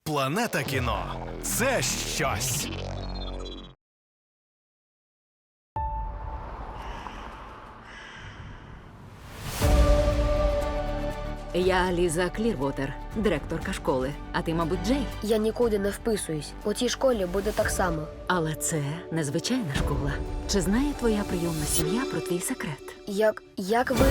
Планета кіно – це щось. Я Ліза Клірвотер, директорка школи. А ти, мабуть, Джей. Я нікуди не вписуюсь. У цій школі буде так само. Але це незвичайна школа. Чи знає твоя прийомна сім'я про твій секрет? Як ви...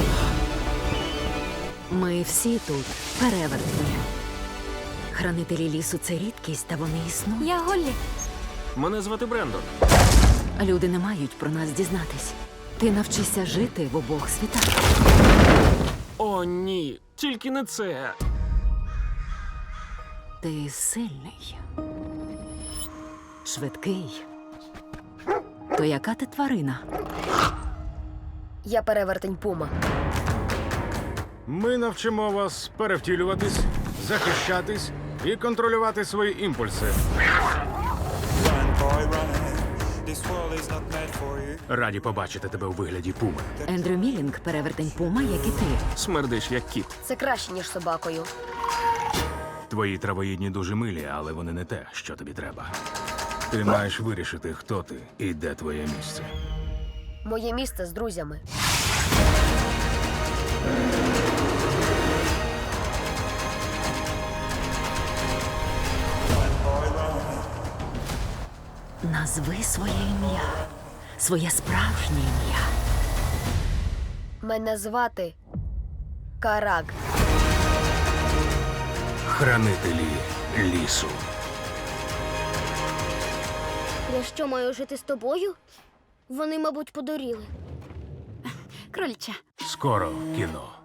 Ми всі тут перевертні. Хранителі лісу – це рідкість, та вони існують. Я Голлі. Мене звати Брендон. Люди не мають про нас дізнатись. Ти навчишся жити в обох світах. О, ні, тільки не це. Ти сильний. Швидкий. То яка ти тварина? Я перевертень Пума. Ми навчимо вас перевтілюватись, захищатись і контролювати свої імпульси. Run, boy, run. This world is not meant for you. Раді побачити тебе у вигляді пуми. Ендрю Мілінг – перевертень Пума, як і ти. Смердиш, як кіт. Це краще, ніж собакою. Твої травоїдні дуже милі, але вони не те, що тобі треба. Ти маєш вирішити, хто ти і де твоє місце. Моє місце з друзями. Назви своє ім'я. Своє справжнє ім'я. Мене звати Караг. Хранителі лісу. Я що, маю жити з тобою? Вони, мабуть, подуріли. Крольча. Скоро в кіно.